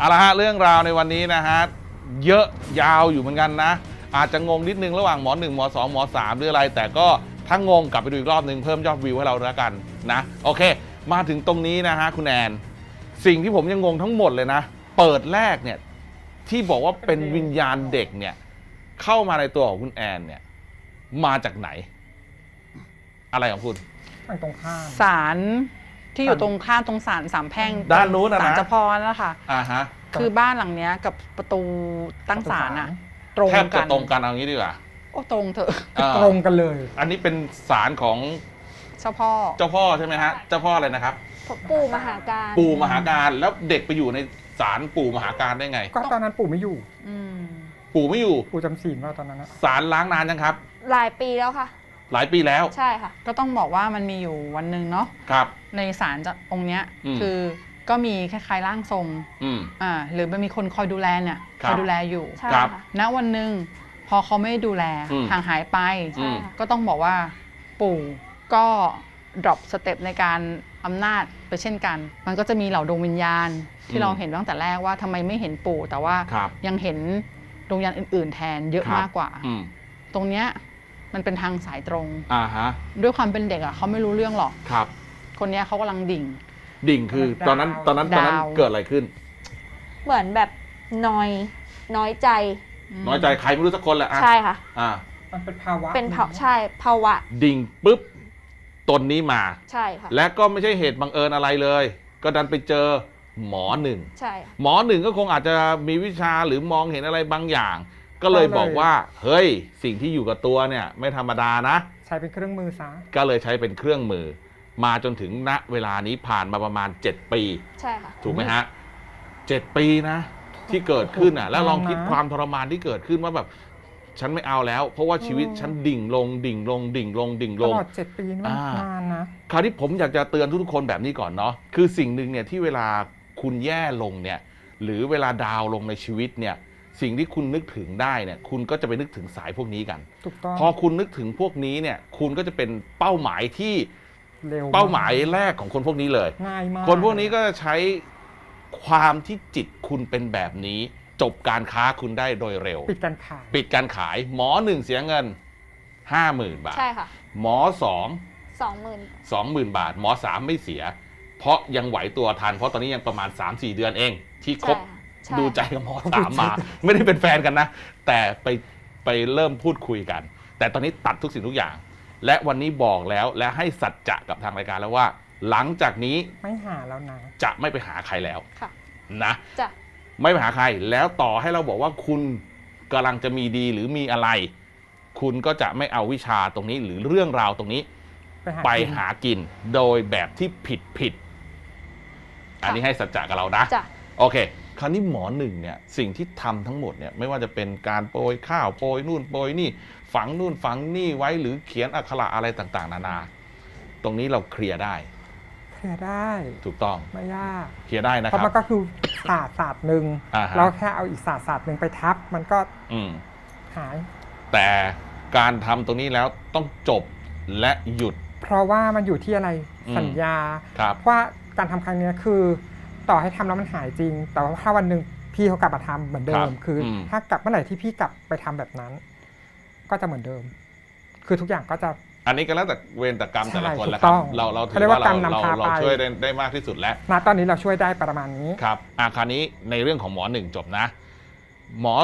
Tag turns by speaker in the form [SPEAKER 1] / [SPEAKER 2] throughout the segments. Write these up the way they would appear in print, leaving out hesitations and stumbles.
[SPEAKER 1] เอาละฮะเรื่องราวในวันนี้นะฮะเยอะยาวอยู่เหมือนกันนะอาจจะงงนิดนึงระหว่างหมอ1หมอ2หมอ3หรืออะไรแต่ก็ถ้างงกลับไปดูอีกรอบนึงเพิ่มยอดวิวให้เราแล้วกันนะโอเคมาถึงตรงนี้นะฮะคุณแอนสิ่งที่ผมยังงงทั้งหมดเลยนะเปิดแรกเนี่ยที่บอกว่าเป็นวิญญาณเด็กเนี่ยเข้ามาในตัวของคุณแอนเนี่ยมาจากไหนอะไรของคุณ
[SPEAKER 2] ตรงข้าม
[SPEAKER 3] ศาลที่อยู่ตรงข้ามตรงศาลสามแพร่ง
[SPEAKER 1] ด้านนู้นนะ
[SPEAKER 3] ศาลเจ้าพ่อนั่นแหละค่ะ
[SPEAKER 1] ฮะ
[SPEAKER 3] คือบ้านหลังเนี้ยกับประตูตั้งศาลอะตรง
[SPEAKER 1] แทบ
[SPEAKER 3] กั
[SPEAKER 1] จะ
[SPEAKER 3] น
[SPEAKER 1] ตรงกันเอางี้ดีกว่า
[SPEAKER 3] โอ้ตรงเถอะ
[SPEAKER 2] ตรงกันเลย
[SPEAKER 1] อันนี้เป็นศาลของ
[SPEAKER 3] เจ้าพ่อ
[SPEAKER 1] ใช่ไหมฮะเจ้าพ่ออะไรนะครับ
[SPEAKER 4] ปู่มหาการ
[SPEAKER 1] ปู่มหาการแล้วเด็กไปอยู่ในศาลปู่มหาการได้ไง
[SPEAKER 2] ก็ตอนนั้นปู่ไม่อยู่
[SPEAKER 1] ปู่ไม่อยู่
[SPEAKER 2] ปู่จำศีลว่าตอนนั้น
[SPEAKER 1] ศาลล้างนานยังครับ
[SPEAKER 4] หลายปีแล้วค่ะ
[SPEAKER 1] หลายปีแล้ว
[SPEAKER 4] ใช่ค่ะ
[SPEAKER 3] ก็ต้องบอกว่ามันมีอยู่วันหนึ่งเนาะ
[SPEAKER 1] ครับ
[SPEAKER 3] ในศาลองค์เนี้ยคือก็มีคล้ายๆร่างทรงหรือมันมีคนคอยดูแลเนี่ยคอยดูแลอยู่
[SPEAKER 4] ใช่ค่ะ
[SPEAKER 3] ณวันหนึ่งพอเขาไม่ดูแลห่างหายไปก็ต้องบอกว่าปู่ก็ดรอปสเต็ปในการอำนาจไปเช่นกันมันก็จะมีเหล่าดวงวิญญาณที่เราเห็นตั้งแต่แรกว่าทำไมไม่เห็นปู่แต่ว่ายังเห็นดวงวิญญาณอื่นๆแทนเยอะมากกว่าตรงเนี้ยมันเป็นทางสายตรงด้วยความเป็นเด็กอ่ะเขาไม่รู้เรื่องหรอกคนนี้เขากำลังดิ่ง
[SPEAKER 1] คือตอนนั้นเกิดอะไรขึ้น
[SPEAKER 4] เหมือนแบบน้อยใจ
[SPEAKER 1] ใครไม่รู้สักคนแหละ
[SPEAKER 4] ใช่ค่ะ
[SPEAKER 2] มันเป็นภาวะ
[SPEAKER 4] ใช่ภาวะ
[SPEAKER 1] ดิ่งปุ๊บตนนี้มา
[SPEAKER 4] ใช่ค่ะ
[SPEAKER 1] และก็ไม่ใช่เหตุบังเอิญอะไรเลยก็ดันไปเจอหมอหนึ่ง
[SPEAKER 4] ใช่
[SPEAKER 1] หมอหนึ่งก็คงอาจจะมีวิชาหรือมองเห็นอะไรบางอย่างก็เลยบอกว่าเฮ้ยสิ่งที่อยู่กับตัวเนี่ยไม่ธรรมดานะ
[SPEAKER 2] ใช้เป็นเครื่องมือซะ
[SPEAKER 1] ก็เลยใช้เป็นเครื่องมือมาจนถึงณเวลานี้ผ่านมาประมาณ7 ปี
[SPEAKER 4] ใช่ค่ะ
[SPEAKER 1] ถูกไหมฮะ7 ปีนะที่เกิดขึ้นอ่ะแล้วลองคิดความทรมานที่เกิดขึ้นว่าแบบฉันไม่เอาแล้วเพราะว่าชีวิตฉันดิ่งลง
[SPEAKER 2] ตลอด7 ปีนี่มันนานนะ
[SPEAKER 1] คราวนี้ผมอยากจะเตือนทุกคนแบบนี้ก่อนเนาะคือสิ่งหนึ่งเนี่ยที่เวลาคุณแย่ลงเนี่ยหรือเวลาดาวลงในชีวิตเนี่ยสิ่งที่คุณนึกถึงได้เนี่ยคุณก็จะไปนึกถึงสายพวกนี้กัน
[SPEAKER 2] ถูกต้อง
[SPEAKER 1] พอคุณนึกถึงพวกนี้เนี่ยคุณก็จะเป็นเป้าหมายที่เป้าหมายแรกของคนพวกนี้เลย
[SPEAKER 2] ง่ายมาก
[SPEAKER 1] คนพวกนี้ก็จะใช้ความที่จิตคุณเป็นแบบนี้จบการค้าคุณได้โดยเร็ว
[SPEAKER 2] ปิดการขาย
[SPEAKER 1] หมอ1เสียเงิน 50,000 บาท
[SPEAKER 4] ใช่ค่ะ
[SPEAKER 1] หมอ
[SPEAKER 4] 20,000
[SPEAKER 1] บาทหมอ3ไม่เสียเพราะยังไหวตัวทันเพราะตอนนี้ยังประมาณ 3-4 เดือนเองที่คบดูใจกับหมอ3มาไม่ได้เป็นแฟนกันนะแต่ไปเริ่มพูดคุยกันแต่ตอนนี้ตัดทุกสิ่งทุกอย่างและวันนี้บอกแล้วและให้สัจจะกับทางรายการแล้วว่าหลังจากนี้
[SPEAKER 2] ไม่หาแล้วนะ
[SPEAKER 1] จะไม่ไปหาใครแล้วนะ
[SPEAKER 4] จะ
[SPEAKER 1] ไม่ไปหาใครแล้วต่อให้เราบอกว่าคุณกำลังจะมีดีหรือมีอะไรคุณก็จะไม่เอาวิชาตรงนี้หรือเรื่องราวตรงนี้ไปหากินโดยแบบที่ผิดอันนี้ให้สัจจะกับเรานะโอเคคราวนี้หมอหนึ่งเนี่ยสิ่งที่ทำทั้งหมดเนี่ยไม่ว่าจะเป็นการโปรยข้าวโปรยนู่นโปรยนี่ฝังนู่นฝังนี่ไว้หรือเขียนอักขระอะไรต่างๆนานาตรงนี้เราเคลียร์ได้ถูกต้อง
[SPEAKER 2] ไม่ยาก
[SPEAKER 1] เคลียร์ได้นะครับ
[SPEAKER 2] เพราะมันก็คือศาสตร์หนึ่งเราแค่เอาอีกศาสตร์หนึ่งไปทับมันก็หาย
[SPEAKER 1] แต่การทำตรงนี้แล้วต้องจบและหยุด
[SPEAKER 2] เพราะว่ามันอยู่ที่อะไรสัญญาว่าการทำครั้งนี้คือต่อให้ทำแล้วมันหายจริงแต่ว่าถ้าวันหนึ่งพี่เขากลับมาทำเหมือนเดิมคือถ้ากลับเมื่อไหร่ที่พี่กลับไปทำแบบนั้นก็จะเหมือนเดิมคือทุกอย่างก็จะ
[SPEAKER 1] อันนี้ก็แล้วแต่เวรแต่กรรมแต่ละคนแหละครับเราถือว่าเราช่วยได้มากที่สุดแล้ว
[SPEAKER 2] ตอนนี้เราช่วยได้ประมาณนี้
[SPEAKER 1] ครับคราวนี้ในเรื่องของหมอ1จบนะหมอ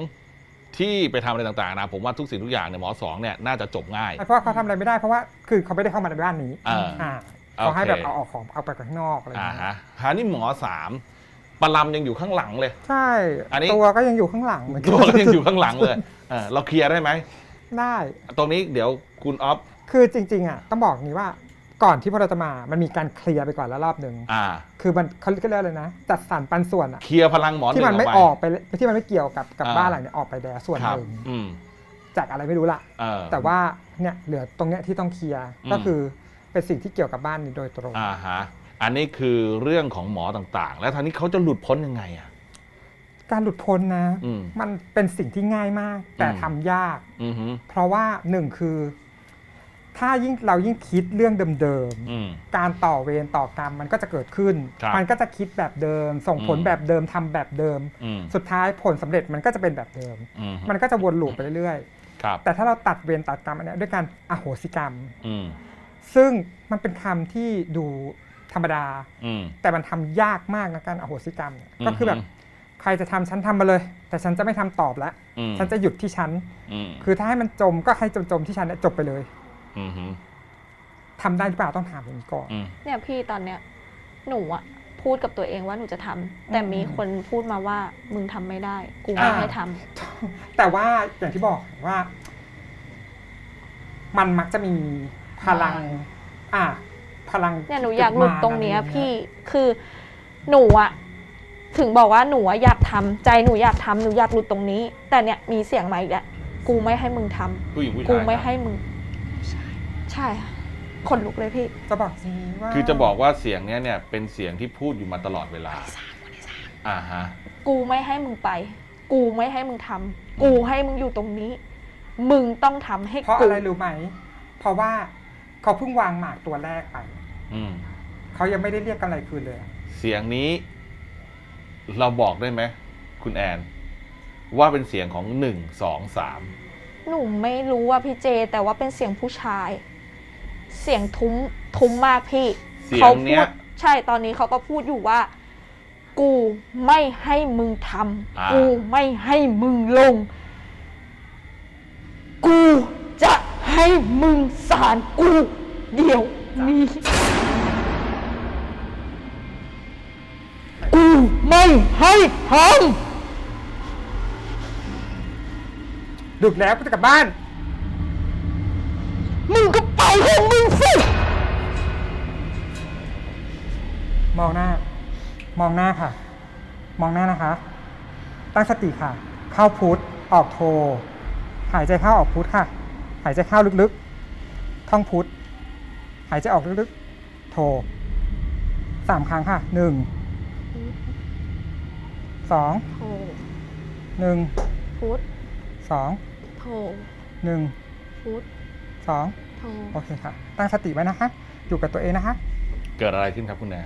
[SPEAKER 1] 2ที่ไปทำอะไรต่างๆนะผมว่าทุกสิ่งทุกอย่างเนี่ยหมอ2เนี่ยน่าจะจบง่าย
[SPEAKER 2] เพราะเขาทำอะไรไม่ได้เพราะว่าคือเขาไม่ได้เข้ามาในบ้านนี้เขาให้แบบเอาออกของเอาไปข้างนอกอะไรอย่างเงี้ย
[SPEAKER 1] คราวนี้หมอ3ปลำยังอยู่ข้างหลังเลย
[SPEAKER 2] ใช่ตัวก็ยังอยู่ข้างหลัง
[SPEAKER 1] ตัวก็ยังอยู่ข้างหลังเลยเราเคลียร์ได้ไหม
[SPEAKER 2] ได้
[SPEAKER 1] ตรงนี้เดี๋ยวคุณอ๊อฟ
[SPEAKER 2] คือจริงๆอ่ะต้องบอกนี้ว่าก่อนที่พวกเราจะมามันมีการเคลียร์ไปก่อนแล้วรอบหนึ่งคือมันเขาเรียกเลยนะจัดสรรปันส่วนอ่ะ
[SPEAKER 1] เคลียร์พลังหมอ
[SPEAKER 2] ที่มันไม่ออกไปที่มันไม่เกี่ยวกับบ้านหลังนี้ออกไปแล้วส่วนหนึ่งจากอะไรไม่รู้ละแต่ว่าเนี่ยเหลือตรงเนี้ยที่ต้องเคลียร์ก็คือเป็นสิ่งที่เกี่ยวกับบ้านนี้โดยตรง
[SPEAKER 1] อันนี้คือเรื่องของหมอต่างๆแล้วทางนี้เขาจะหลุดพ้นยังไงอ่ะ
[SPEAKER 2] การหลุดพ้นนะมันเป็นสิ่งที่ง่ายมากแต่ทำยากเพราะว่าหนึ่งคือถ้าเรายิ่งคิดเรื่องเดิม
[SPEAKER 1] อืม
[SPEAKER 2] ๆการต่อเวรต่อกรรมมันก็จะเกิดขึ้น
[SPEAKER 1] ครับ
[SPEAKER 2] มันก็จะคิดแบบเดิม ส่งผล
[SPEAKER 1] อืม
[SPEAKER 2] แบบเดิมทำแบบเดิม
[SPEAKER 1] อืม
[SPEAKER 2] สุดท้ายผลสำเร็จมันก็จะเป็นแบบเดิม
[SPEAKER 1] อืม
[SPEAKER 2] มันก็จะวนลูปไปเรื่อย
[SPEAKER 1] ครับ
[SPEAKER 2] ๆแต่ถ้าเราตัดเวรตัดกรรมอันเนี้ยด้วยการอโหสิกรรม
[SPEAKER 1] อืม
[SPEAKER 2] ซึ่งมันเป็นคำที่ดูธรรมดา
[SPEAKER 1] อืม
[SPEAKER 2] แต่มันทำยากมากนะการอโหสิกรรมเนี่ย
[SPEAKER 1] อืม
[SPEAKER 2] ก็คือแบบใครจะทำฉันทำมาเลย แต่ฉันจะไม่ทำตอบแล้ว
[SPEAKER 1] อืม
[SPEAKER 2] ฉันจะหยุดที่ฉัน
[SPEAKER 1] อืม
[SPEAKER 2] คือถ้าให้มันจมก็ให้จมที่ฉันเนี่ยจบไปเลย
[SPEAKER 1] อืม
[SPEAKER 2] ทำได้หรือเปล่าต้องถามอย่างนี้ก่อน
[SPEAKER 1] อืม
[SPEAKER 4] เนี่ยพี่ตอนเนี้ยหนูอะพูดกับตัวเองว่าหนูจะทำแต่มีคนพูดมาว่ามึงทำไม่ได้ กูไม่ให้ทำ
[SPEAKER 2] แต่ว่าอย่างที่บอกว่า มันมักจะมีพลัง พลัง
[SPEAKER 4] เนี่ยหนูอยากหลุดตรงเนี้ย
[SPEAKER 2] มา
[SPEAKER 4] พี่คือหนูอะถึงบอกว่าหนูอะอยากทำใจหนูอยากทำหนูอยากหลุดตรงนี้ แต่เนี่ยมีเสียงมาอีกแล้วกูไม่ให้มึงทำ
[SPEAKER 1] ผู้หญิงผู้ชาย
[SPEAKER 4] กูไม่
[SPEAKER 1] ครับ
[SPEAKER 4] ให้มึงใช่ค่ะคนลุกเลยพี่
[SPEAKER 2] จะบอกทีว่า
[SPEAKER 1] คือจะบอกว่าเสียงเนี้ยเนี่ยเป็นเสียงที่พูดอยู่มาตลอดเวลาอ่าฮะ
[SPEAKER 4] กูไม่ให้มึงไป กูไม่ให้มึงทำกูให้มึงอยู่ตรงนี้ มึงต้องทำให้
[SPEAKER 2] เพราะ
[SPEAKER 4] กู
[SPEAKER 2] อะไรรู้ไหม เพราะว่าเขาเพิ่งวางหมากตัวแรกไป
[SPEAKER 1] อืม
[SPEAKER 2] เขายังไม่ได้เรียกกำไรคืนเลยอะ
[SPEAKER 1] เสียงนี้ เราบอกได้ไหมคุณแอน ว่าเป็นเสียงของ1 2 3
[SPEAKER 4] หนูไม่รู้ว่าพี่เจ แต่ว่าเป็นเสียงผู้ชาย เสียงทุ้มมากพี่
[SPEAKER 1] เสียงเนี้ย
[SPEAKER 4] ขาพูดใช่ตอนนี้เขาก็พูดอยู่ว่า กูไม่ให้มึงทำกูไม่ให้มึงลง กูจะให้มึงสารกูเดี๋ยวนี้กูไม่ให้ท
[SPEAKER 2] ดึกแล้วก็จะกลับบ้าน
[SPEAKER 4] ำมึงก็ไปของมึงสิ
[SPEAKER 2] มองหน้า มองหน้าค่ะ มองหน้านะคะ ตั้งสติค่ะ เข้าพุทธออกโท หายใจเข้าออกพุทธค่ะ หายใจเข้าลึกๆ ท่องพุทธ หายใจออกลึกๆ โท 3 ครั้งค่ะ 1 2
[SPEAKER 4] โท
[SPEAKER 2] 1
[SPEAKER 4] พุทธ
[SPEAKER 2] 2
[SPEAKER 4] โท
[SPEAKER 2] 1
[SPEAKER 4] พุทธ
[SPEAKER 2] 2
[SPEAKER 4] โท
[SPEAKER 2] โอเคค่ะ ตั้งสติไว้นะคะ อยู่กับตัวเองนะคะ
[SPEAKER 1] เกิดอะไรขึ้นครับคุณแอน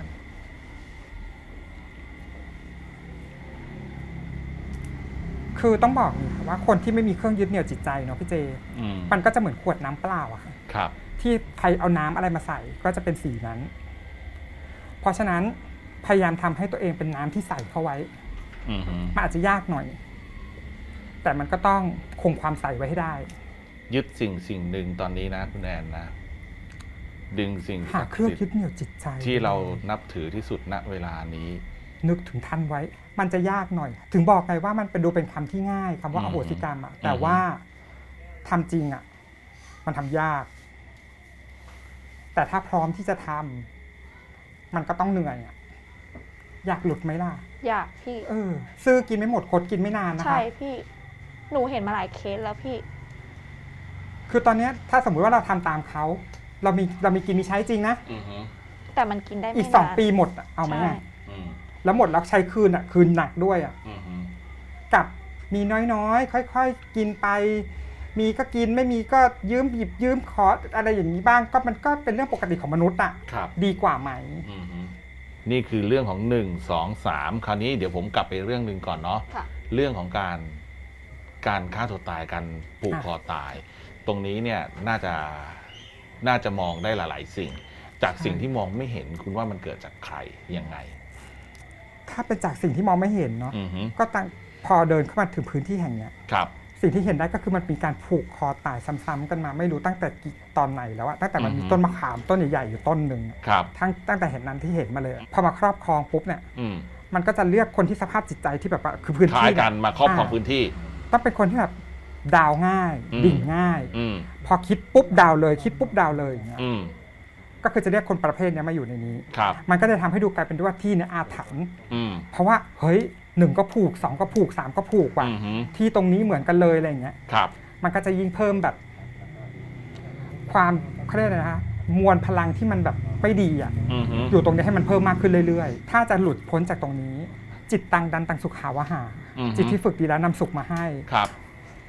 [SPEAKER 2] คือต้องบอกนี่ค่ะว่าคนที่ไม่มีเครื่องยึดเหนี่ยวจิตใจเนาะพี่เจ
[SPEAKER 1] อืม
[SPEAKER 2] มันก็จะเหมือนขวดน้ำเปล่าอะค่ะ
[SPEAKER 1] ครับ
[SPEAKER 2] ที่ใครเอาน้ำอะไรมาใส่ก็จะเป็นสีนั้น เพราะฉะนั้นพยายามทำให้ตัวเองเป็นน้ำที่ใสเข้าไว้
[SPEAKER 1] อืมฮึ
[SPEAKER 2] มันอาจจะยากหน่อย แต่มันก็ต้องคงความใสไว้ให้ได้
[SPEAKER 1] ยึดสิ่งหนึ่งตอนนี้นะคุณแอนนะ ดึงสิ่ง
[SPEAKER 2] หา
[SPEAKER 1] ศักดิ์
[SPEAKER 2] เครื่อง
[SPEAKER 1] สิท
[SPEAKER 2] ยึด
[SPEAKER 1] ธิ์
[SPEAKER 2] เหนี่ยวจิตใจ
[SPEAKER 1] ที่เรานับถือที่สุดณเวลานี้
[SPEAKER 2] นึกถึงท่านไว้ มันจะยากหน่อย ถึงบอกไงว่ามันเป็นดูเป็นคำที่ง่ายคำว่าอโหสิกรรมอะแต่ว่าทำจริงอะมันทำยาก แต่ถ้าพร้อมที่จะทำมันก็ต้องเหนื่อยอะอยากหลุดไหมล่ะ
[SPEAKER 4] อยากพี่
[SPEAKER 2] ซื้อกินไม่หมดคดกินไม่นานนะคะ
[SPEAKER 4] ใช่พี่ หนูเห็นมาหลายเคสแล้วพี่
[SPEAKER 2] คือตอนเนี้ยถ้าสมมุติว่าเราทำตามเขา เรามีกินมีใช้จริงนะ
[SPEAKER 1] อือฮึ
[SPEAKER 4] แต่มันกินได้ไม่
[SPEAKER 2] อีก
[SPEAKER 4] นาน
[SPEAKER 2] 2 ปีหมดอะเอาไหม
[SPEAKER 4] ใช่
[SPEAKER 2] อะ
[SPEAKER 1] อืม
[SPEAKER 2] แล้วหมดแล้วใช้คืนอะคืนหนักด้วยอะ
[SPEAKER 1] อือฮึ
[SPEAKER 2] กับมีน้อยๆ ค่อยๆ กินไป มีก็กินไม่มีก็ยืมหยิบยืมขออะไรอย่างนี้บ้าง ก็มันก็เป็นเรื่องปกติของมนุษย์อะ
[SPEAKER 1] ครับ
[SPEAKER 2] ดีกว่าไหม
[SPEAKER 1] อือฮึนี่คือเรื่องของ1 2 3คราวนี้เดี๋ยวผมกลับไปเรื่องหนึ่งก่อนเนาะ
[SPEAKER 4] ค่ะ
[SPEAKER 1] เรื่องของการฆ่าตัวตายการผูกคอตาย ตรงนี้เนี่ยน่าจะมองได้หลาย ๆ สิ่ง จากสิ่งที่มองไม่เห็นคุณว่ามันเกิดจากใครยังไง
[SPEAKER 2] ถ้าเป็นจากสิ่งที่มองไม่เห็นเนาะ
[SPEAKER 1] อือฮึ
[SPEAKER 2] ก็ตั้งพอเดินเข้ามาถึงพื้นที่แห่งเนี้ย
[SPEAKER 1] ครับ
[SPEAKER 2] สิ่งที่เห็นได้ก็คือมันมีการผูกคอตายซ้ำๆกันมา ไม่รู้ตั้งแต่กี่ตอนไหนแล้วอะตั้งแต่มันมี
[SPEAKER 1] อือฮึ
[SPEAKER 2] ต้นมะขามต้นใหญ่ๆอยู่ต้นหนึ่งอะ
[SPEAKER 1] ครับ
[SPEAKER 2] ตั้งแต่เห็นนั้นที่เห็นมาเลยอะพอมาครอบครองปุ๊บเนี่ย
[SPEAKER 1] อืม
[SPEAKER 2] มันก็จะเลือกคนที่สภาพจิตใจที่แบบว่าคือพื้น
[SPEAKER 1] คล้า
[SPEAKER 2] ที่
[SPEAKER 1] ยกันมาครอบครองพื้นที่
[SPEAKER 2] ต้องเป็นคนที่แบบดาวง่าย
[SPEAKER 1] อืม
[SPEAKER 2] ดิ่งง่าย
[SPEAKER 1] อืม
[SPEAKER 2] พอคิดปุ๊บดาวเลย คิดปุ๊บดาวเลยอย่างเงี้ย
[SPEAKER 1] อืม
[SPEAKER 2] ก็คือจะเรียกคนประเภทเนี้ยมาอยู่ในนี้
[SPEAKER 1] ครับ
[SPEAKER 2] มันก็จะทำให้ดูกลายเป็นว่าที่เนี่ยอาถรรพ์
[SPEAKER 1] อืม
[SPEAKER 2] เพราะว่าเฮ้ย1ก็ผูก2ก็ผูก3ก็ผูกว่ะ
[SPEAKER 1] อือฮึ
[SPEAKER 2] ที่ตรงนี้เหมือนกันเลยอะไรอย่างเงี้ย
[SPEAKER 1] ครับ
[SPEAKER 2] มันก็จะยิ่งเพิ่มแบบ ความเขาเรียกอะไรนะฮะมวลพลังที่มันแบบไม่ดีอ่ะ
[SPEAKER 1] อือฮึ
[SPEAKER 2] อยู่ตรงนี้ให้มันเพิ่มมากขึ้นเรื่อยๆ ถ้าจะหลุดพ้นจากตรงนี้ จิตตังดันตังสุขาวหา
[SPEAKER 1] อือฮึ
[SPEAKER 2] จิตที่ฝึกดีแล้วนำสุขมาให้
[SPEAKER 1] ครับ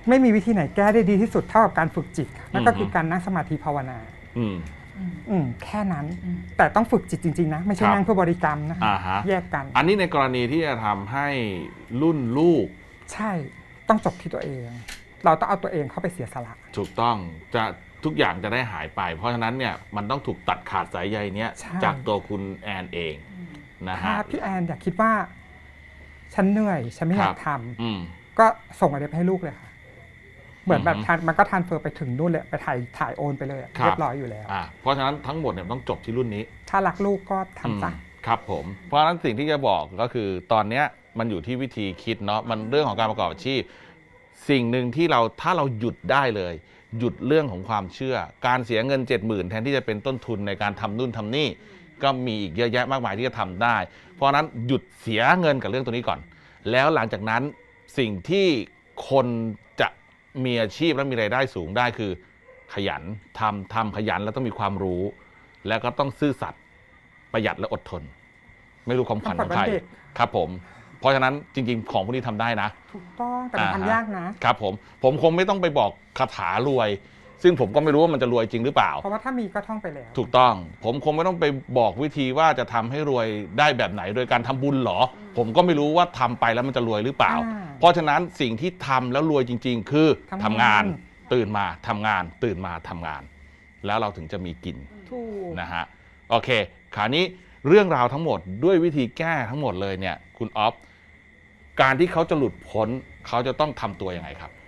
[SPEAKER 2] ไม่มีวิธีไหนแก้ได้ดีที่สุดเท่ากับการฝึกจิตนั่นก็คือการนั่งสมาธิภาวนาแค่นั้นแต่ต้องฝึกจิตจริงๆนะไม่ใช่นั่งเพื่อบริกรรมนะแยกกัน
[SPEAKER 1] อันนี้ในกรณีที่จะทำให้รุ่นลูก
[SPEAKER 2] ใช่ต้องจบที่ตัวเองเราต้องเอาตัวเองเข้าไปเสียสละ
[SPEAKER 1] ถูกต้องจะทุกอย่างจะได้หายไปเพราะฉะนั้นเนี่ยมันต้องถูกตัดขาดสายใยเนี้ยจากตัวคุณแอนเองนะฮะ
[SPEAKER 2] ถ้าพี่แอนอยากคิดว่าฉันเหนื่อยฉันไม่อยากทำก็ส่งอะไรไปให้ลูกเลยค่ะเหมือนแบบมันก็ทรานสเฟอร์ไปถึงนู่นเลยไปถ่ายโอนไปเลยเรียบร้อยอยู่แล้ว
[SPEAKER 1] เพราะฉะนั้นทั้งหมดเนี่ยต้องจบที่รุ่นนี้
[SPEAKER 2] ถ้ารักลูกก็ทำจ้ะ
[SPEAKER 1] ครับผมเพราะฉะนั้นสิ่งที่จะบอกก็คือตอนเนี้ยมันอยู่ที่วิธีคิดเนาะมันเรื่องของการประกอบอาชีพสิ่งหนึ่งที่ถ้าเราหยุดได้เลยหยุดเรื่องของความเชื่อการเสียเงิน 70,000 แทนที่จะเป็นต้นทุนในการทำนู่นทำนี่ก็มีอีกเยอะแยะมากมายที่จะทำได้เพราะฉะนั้นหยุดเสียเงินกับเรื่องตัวนี้ก่อนแล้วหลังจากนั้นสิ่งที่คนจะมีอาชีพและมีรายได้สูงได้คือขยันทำขยันแล้วต้องมีความรู้แล้วก็ต้องซื่อสัตย์ประหยัดและอดทนไม่รู้ความขวัญของใครครับผมเพราะฉะนั้นจริงๆของพวกนี้ทำได้นะ
[SPEAKER 2] ถูกต้องแต่มันทำยาก
[SPEAKER 1] นะครับผมคงไม่ต้องไปบอกคาถารวยซึ่งผมก็ไม่รู้ว่ามันจะรวยจริงหรือเปล่า
[SPEAKER 2] เพราะว่าถ้ามีก็ท่องไปแล้ว
[SPEAKER 1] ถูกต้องผมคงไม่ต้องไปบอกวิธีว่าจะทำให้รวยได้แบบไหนโดยการทำบุญหรอผมก็ไม่รู้ว่าทำไปแล้วมันจะรวยหรือเปล่าเพราะฉะนั้นสิ่งที่ทำแล้วรวยจริงๆคือทำงานตื่นมาทำงานตื่นมาทำงานแล้วเราถึงจะมีกินนะฮะโอเคคราวนี้เรื่องราวทั้งหมดด้วยวิธีแก้ทั้งหมดเลยเนี่ยคุณออฟการที่เขาจะหลุดพ้นเขาจะต้องทำตัวยังไงครับ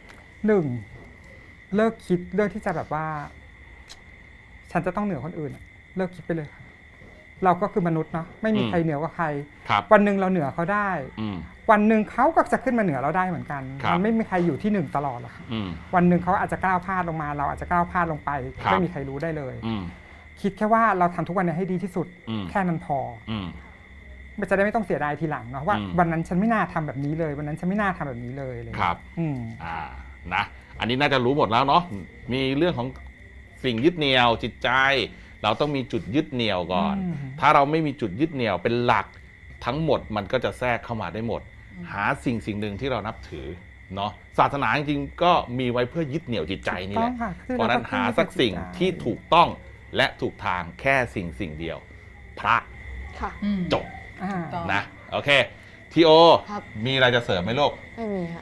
[SPEAKER 2] 1เลิกคิดเลิกที่จะแบบว่าฉันจะต้องเหนือคนอื่นเลิกคิดไปเลยค่ะเราก็คือมนุษย์เนาะไม่มีใครเหนือกว่าใครวันหนึ่งเราเหนือเขาได้วันหนึ่งเขาก็จะขึ้นมาเหนือเราได้เหมือนกันมันไม่มีใครอยู่ที่1ตลอดหรอกค่ะวันหนึ่งเขาอาจจะก้าวพลาดลงมาเราอาจจะก้าวพลาดลงไปไม่มีใครรู้ได้เลยคิดแค่ว่าเราทำทุกวันนี้ให้ดีที่สุดแค่นั้นพอมันจะได้ไม่ต้องเสียดายทีหลังเนาะว่าวันนั้นฉันไม่น่าทำแบบนี้เลยวันนั้นฉันไม่น่าทำแบบนี้เลย
[SPEAKER 1] ครับนะอันนี้น่าจะรู้หมดแล้วเนาะมีเรื่องของสิ่งยึดเหนี่ยวจิตใจเราต้องมีจุดยึดเหนี่ยวก่อนถ้าเราไม่มีจุดยึดเหนี่ยวเป็นหลักทั้งหมดมันก็จะแทรกเข้ามาได้หมดหาสิ่งหนึ่งที่เรานับถือเนาะศาสนาจริงๆก็มีไว้เพื่อยึดเหนี่ยวจิตใจนี่แหละเพราะนั้นหาสักสิ่งที่ถูกต้องและถูกทางแค่สิ่งเดียวพระจบนะโอเคทีโอมีอะไรจะเสริมไหมลูก
[SPEAKER 4] ไม่มีค่ะ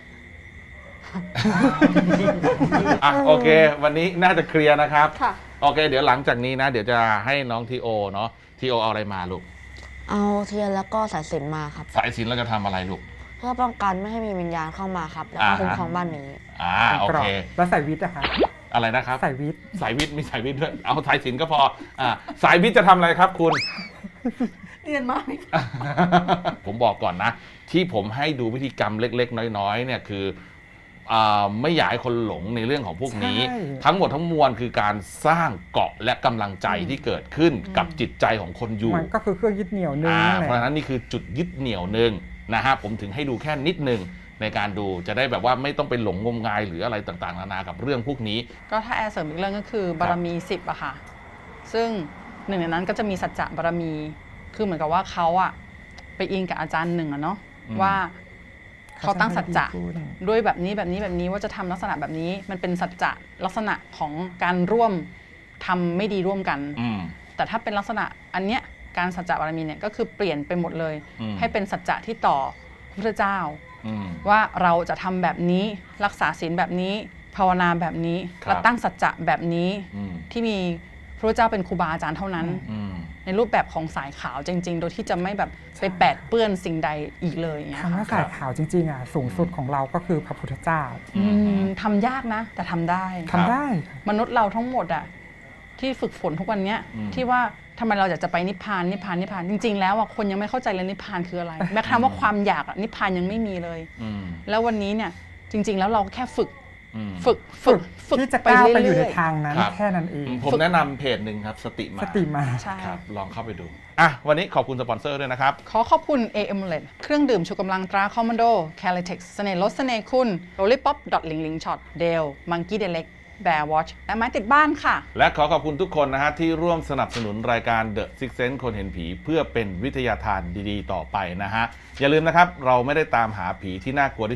[SPEAKER 1] โอเควันนี้น่าจะเคลียร์นะครับโอเคเดี๋ยวหลังจากนี้นะเดี๋ยวจะให้น้องทีโอเนาะทีโอเอาอะไรมาลูก
[SPEAKER 4] เอาเทียนแล้วก็สายสิญจน์มาครับ
[SPEAKER 1] สายสิญจน์เราจะทำอะไรลูก
[SPEAKER 4] เพื่อป้องกันไม่ให้มีวิญญาณเข้ามาครับแล้วก็คุ้มครองบ้านนี้
[SPEAKER 1] โอเค
[SPEAKER 2] แล้วสายวิทย์นะคะ
[SPEAKER 1] อะไรนะครับ
[SPEAKER 2] สายวิทย์
[SPEAKER 1] มีสายวิทย์ด้วยเอาสายสิญจน์ก็พอสายวิทย์จะทำอะไรครับคุณ
[SPEAKER 4] เรียนมา
[SPEAKER 1] ผมบอกก่อนนะที่ผมให้ดูพิธีกรรมเล็กๆน้อยๆเนี่ยคือไม่อยากให้คนหลงในเรื่องของพวกนี้ทั้งหมดทั้งมวลคือการสร้างเกาะและกำลังใจที่เกิดขึ้นกับจิตใจของคนอยู่
[SPEAKER 2] มันก็คือเครื่องยึดเหนี่ยวนึง
[SPEAKER 1] เพราะฉะนั้นนี่คือจุดยึดเหนี่ยวนึงนะฮะผมถึงให้ดูแค่นิดนึงในการดูจะได้แบบว่าไม่ต้องไปหลงงมงายหรืออะไรต่างๆนานากับเรื่องพวกนี้
[SPEAKER 3] ก็ถ้าแอร์เสริมอีกเรื่องก็คือบารมี10อะค่ะซึ่งหนึ่งในนั้นก็จะมีสัจจะบารมีคือเหมือนกับว่าเขาอะไปอิงกับอาจารย์หนึ่งอะเนาะว่าเขาตั้งสัจจะด้วยแบบนี้ว่าจะทำลักษณะแบบนี้มันเป็นสัจจะลักษณะของการร่วมทำไม่ดีร่วมกันแต่ถ้าเป็นลักษณะอันเนี้ยการสัจจะบารมีเนี่ยก็คือเปลี่ยนไปหมดเลยให้เป็นสัจจะที่ต่อพระพุทธเจ้าว่าเราจะทำแบบนี้รักษาศีลแบบนี้ภาวนาแบบนี้และตั้งสัจจะแบบนี้ที่มีพระพุทธเจ้าเป็นครูบาอาจารย์เท่านั้นในรูปแบบของสายขาวจริงๆโดยที่จะไม่แบบไปแปดเปื้อนสิ่งใดอีกเลย
[SPEAKER 2] คำว่าสายขาวจริงๆอ่ะสูงสุดของเราก็คือพระพุทธเจ้า
[SPEAKER 3] ทำยากนะแต่ทำได้มนุษย์เราทั้งหมดอ่ะที่ฝึกฝนทุกวันนี้ที่ว่าทำไมเราอยากจะไปนิพพานจริงๆแล้วอ่ะคนยังไม่เข้าใจเลยนิพพานคืออะไรแม้กระทั่งว่าความอยากนิพพานยังไม่มีเลยแล้ววันนี้เนี่ยจริงๆแล้วเราแค่ฝึก
[SPEAKER 2] ที่จะก้าวไปอยู่ในทางนั้นแค่นั้นเอง
[SPEAKER 1] ผมแนะนำเพจหนึ่งครับสติมา
[SPEAKER 3] ใช่
[SPEAKER 1] ครับลองเข้าไปดูวันนี้ขอบคุณสปอนเซอร์ด้วยนะครับ
[SPEAKER 3] ขอบคุณ AM-LED เครื่องดื่มชูกำลังตราคอมมานโด Calitex เสน่ห์ลดเสน่ห์คุณ Lollipop Ling Shot Dale Monkey Delect Bear Watch และไม้ติดบ้านค่ะ
[SPEAKER 1] และขอบคุณทุกคนนะฮะที่ร่วมสนับสนุนรายการ The Six Sense คนเห็นผีเพื่อเป็นวิทยาทานดีๆต่อไปนะฮะอย่าลืมนะครับเราไม่ได้ตามหาผีที่น่ากลัวที่สุด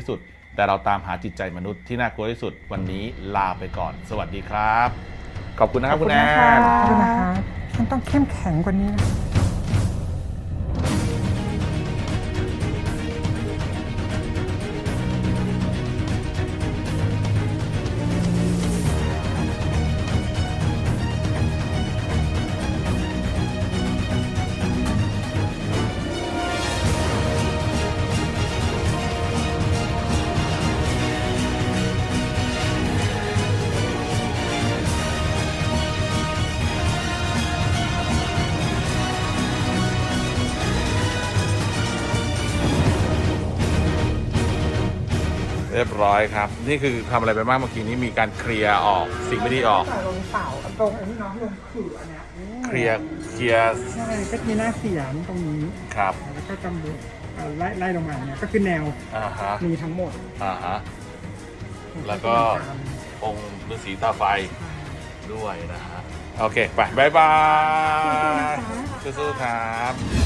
[SPEAKER 1] แต่เราตามหาจิตใจมนุษย์ที่น่ากลัวที่สุดวันนี้ลาไปก่อน สวัสดีครับ ขอบคุณนะครับคุณแอน
[SPEAKER 2] ขอบคุณนะคะฉันต้องเข้มแข็งกว่านี้นะ
[SPEAKER 1] เรียบร้อยครับ นี่คือทำอะไรไปบ้างเมื่อกี้นี้มีการเคลียร์ออกสิ่งไม่ดีออก
[SPEAKER 2] ลงเสาตรงไอ้นี่เนาะลงขื่ออันเนี้ย
[SPEAKER 1] เคลียร์
[SPEAKER 2] ใช่ก็มีหน้าเสียงตรงนี้
[SPEAKER 1] ครับ
[SPEAKER 2] แล้วก็กำมือไล่ลงมาเนี่ยก็คือแนว
[SPEAKER 1] อ่าฮะ
[SPEAKER 2] มีทั้งหมด
[SPEAKER 1] อ่าฮะ แล้วก็ องค์ฤาษีตาไฟด้วยนะฮะ โอเค ไป บ๊ายบาย สู้ๆครับ